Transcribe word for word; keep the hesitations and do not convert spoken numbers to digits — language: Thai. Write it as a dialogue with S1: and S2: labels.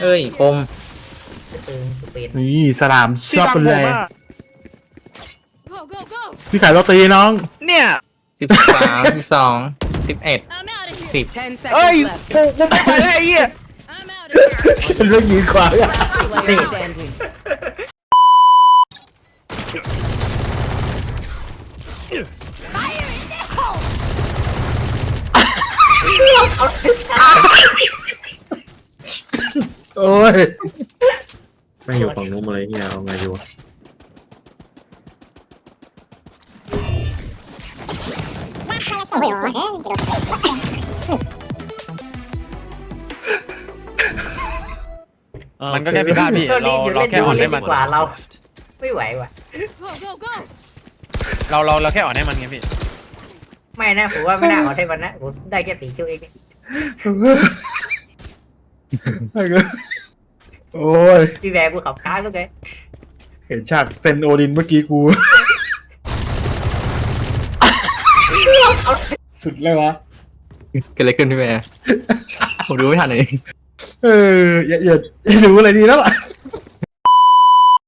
S1: เอ้ยคม
S2: ตึงสเปน
S3: นี่สลามชอบเป็นเลย
S4: Go, go, go!
S3: พี่ขายโรตีน้อง
S5: เนี่ย
S1: สิบสามสิบสองสิบเอ็ด
S4: I'm out of
S1: สิ
S4: here.
S1: บ
S6: Ten
S5: เอ้ย
S6: seconds left.
S5: กูกูไม่ไปแล้วไอ้เหี้ย
S4: I'm out of here.
S3: เป็นเรื่องยืนขวางอะ
S6: Last player standing.
S3: โอ้ยไม่อยู่ฝั่งนู้นมาเลยเนี่ยเอาไงอยู่
S5: มันก็แค่พิฆาตพี่
S2: ก็
S5: เรา
S2: รีบอยู่
S5: เรา
S2: เล่น
S5: แค่
S2: ดู
S5: อ่อน
S2: เล่
S5: ให้
S2: น
S5: มั
S2: ดี
S5: น
S2: กว่าเราไม่ไหวว่ะ
S4: Go, go, go!
S5: เราเราเราแค่อ่อนให้มันไงพี่
S2: ไม่นะผมว่าไม่น่าเอาให้มันนะผมได้แค่ตีคิวเอง
S3: โอ้ย
S2: พี่แบร์กูขับค้างแล้วไง
S3: เห็นฉากเซนโอดินเมื่อกี้กู สุดเลยวะ
S1: เกิดอะไรขึ้นพี่แม่ผมดูไม่ทันเอง
S3: เอออย่าอย่าอย่าดูอะไรดีแล้วล่ะ